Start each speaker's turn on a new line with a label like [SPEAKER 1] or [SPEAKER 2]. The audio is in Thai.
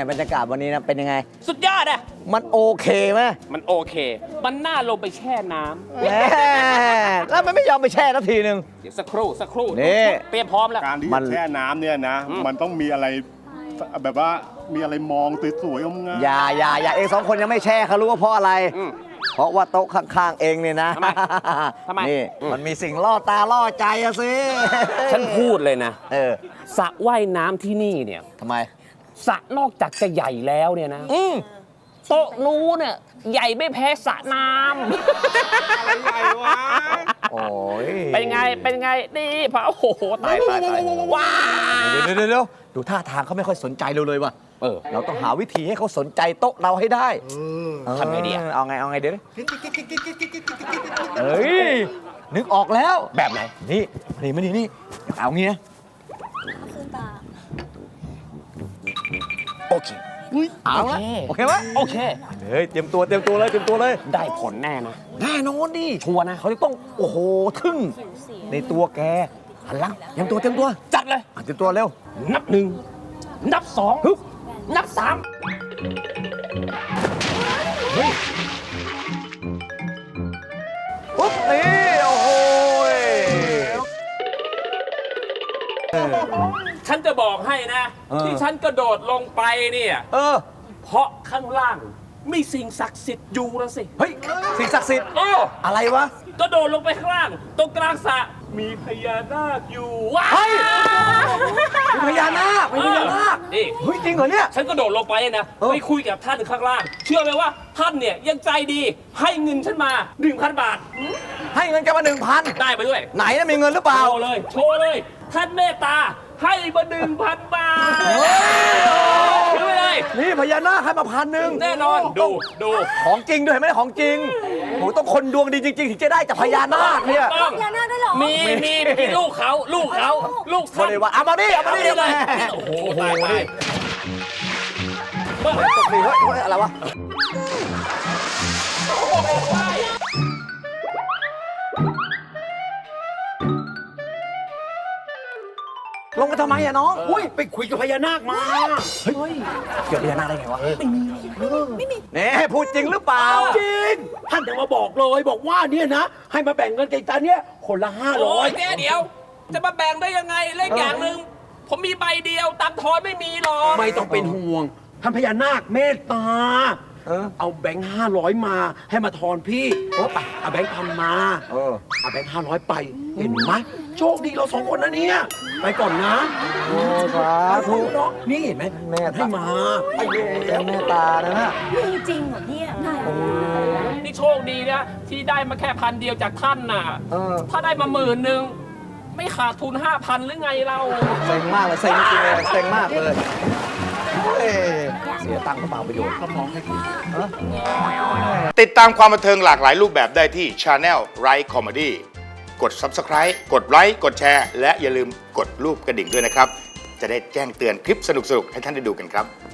[SPEAKER 1] บรรยากาศวันนี้นะเป็นยังไง
[SPEAKER 2] สุดยอดอะ
[SPEAKER 1] มันโอเคไหม
[SPEAKER 2] มันโอเค มันน่าลงไปแช่น้
[SPEAKER 1] แหมแล้วมันไม่ยอมไปแช่สักทีนึง
[SPEAKER 2] ำเดี๋ยวสักครู่
[SPEAKER 1] นี่
[SPEAKER 2] เตรียมพร้อมแล้ว
[SPEAKER 3] การที่จะแช่น้ำเนี่ยนะ มันต้องมีอะไรแบบว่ามีอะไรมองสวยๆงาม
[SPEAKER 1] อย่าเอง2 คนยังไม่แช่เขารู้ว่าเพราะอะไร เพราะว่าโต๊ะข้างๆเองเนี่ยนะ
[SPEAKER 2] ทำไม
[SPEAKER 1] นี่มันมีสิ่งล่อตาล่อใจอะสิ
[SPEAKER 2] ฉันพูดเลยนะ
[SPEAKER 1] ส
[SPEAKER 2] ระว่ายน้ำที่นี่เนี่ย
[SPEAKER 1] ทำไม
[SPEAKER 2] สระนอกจากจะใหญ่แล้วเนี่ยนะโต๊ะนู้นเนี่ยใหญ่ไม่แพ้สระน้
[SPEAKER 3] อะไรใหญ่วะ
[SPEAKER 1] โอ้ย
[SPEAKER 2] เป็นไงนี่พระโอ้โหตายว้า
[SPEAKER 1] เดี๋ยวดูท่าทางเขาไม่ค่อยสนใจเราเลยว่ะเราต้องหาวิธีให้เขาสนใจโต๊ะเราให้ได้
[SPEAKER 2] ทำไงดี
[SPEAKER 1] เอาไงเดี๋ยวเฮ้ยนึกออกแล้ว
[SPEAKER 2] แบบไหน
[SPEAKER 1] นี่เอางี้นะ
[SPEAKER 2] โอเค
[SPEAKER 1] เอาละโอเคไหม
[SPEAKER 2] โอเค
[SPEAKER 1] เตรียมตัวเลย
[SPEAKER 2] ได้ผลแน่นะ
[SPEAKER 1] แน่นอนดิ
[SPEAKER 2] ชัวร์นะ
[SPEAKER 1] เขาจะต้องโอ้โหทึ่งในตัวแกหันหลังเตรียมตัว
[SPEAKER 2] จัดเลย
[SPEAKER 1] เตรียมตัวเร็ว
[SPEAKER 2] นับ1นับ2นับ3
[SPEAKER 1] ปุ๊บนี่โอ้โห
[SPEAKER 2] ฉันจะบอกให้นะที่ฉันกระโดดลงไปเนี่ยเพราะข้างล่างมีสิ่งศักดิ์สิทธิ์อยู่นะสิ
[SPEAKER 1] เฮ้ยสิ่งศักดิ์สิทธิ์อะไรวะ
[SPEAKER 2] กระโดดลงไปข้างล่างตรงกลางสระมีพญานาคอยู่ว้า
[SPEAKER 1] มีพญานาค
[SPEAKER 2] นี่
[SPEAKER 1] เฮ้ยจริงเหรอเนี่ย
[SPEAKER 2] ฉันกระโดดลงไปนะไปคุยกับท่านข้างล่างเชื่อไหมว่าท่านเนี่ยยังใจดีให้เงินฉันมา 1,000 บาท
[SPEAKER 1] ให้เงินแกมา 1,000
[SPEAKER 2] ได้ไปด้วย
[SPEAKER 1] ไหนนะมีเงินหรือเปล่า
[SPEAKER 2] โชว์เลยท่านเมตตาให้มา 1,000 บาทซื้อไปเลย
[SPEAKER 1] นี่พญานาคให้มา1,000
[SPEAKER 2] แน่นอนดู
[SPEAKER 1] ของจริงด้วยไม่ได้ของจริงโหต้องคนดวงดีจริงๆถึงจะได้จากพญานาคเนี่ย
[SPEAKER 4] พญานาคได้หรอ
[SPEAKER 2] มีลูกเขา
[SPEAKER 1] ท่านเอามาดิ
[SPEAKER 2] เลยโอ้โหตาย
[SPEAKER 1] อะไรวะลงกันทำไมอะน้อง
[SPEAKER 2] อุ้ยไปคุยกับพญานาคมา
[SPEAKER 1] เฮ้ยเกี่ยวกับพญานาคได้ไงวะไม่มีนี่พูดจริงหรือเปล่า
[SPEAKER 5] จริงท่านจะมาบอกเลยบอกว่าเนี่ยนะให้มาแบ่งเงินกันตาเนี่ยคนละ500
[SPEAKER 2] เดี๋ยวจะมาแบ่งได้ยังไงเลขอย่างหนึ่งผมมีใบเดียวตังค์ทอนไม่มีหรอก
[SPEAKER 5] ไม่ต้องเป็นห่วงท่านพญานาคเมตตาเอาแบงค์500มาให้มาทอนพี่ไปเอาแบงค์1,000มาเอาแบงค์500ไปเห็นไหมโชคดีเรา2 คนนะเนี่ยไปก่อนนะ
[SPEAKER 1] โอ้สาธุ
[SPEAKER 5] นี่เห็นไหม
[SPEAKER 1] แม่
[SPEAKER 5] ให้มา
[SPEAKER 1] แม่ตานะ
[SPEAKER 4] มีจริงเหรอเนี่ย
[SPEAKER 2] นี่โชคดีนะที่ได้มาแค่1,000 เดียวจากท่านน่ะถ้าได้มา10,000ไม่ขาดทุน 5,000 หรือไงเรา
[SPEAKER 1] เซ็งมากเลยเซ็งจริงเลยเซ็งมากเลยเสียตังค์ก็เปล่าประโยชน์เขามองให้กิน
[SPEAKER 6] ติดตามความบันเทิงหลากหลายรูปแบบได้ที่ Channel Right Comedy กด Subscribe กดไลค์กดแชร์และอย่าลืมกดรูปกระดิ่งด้วยนะครับจะได้แจ้งเตือนคลิปสนุกๆให้ท่านได้ดูกันครับ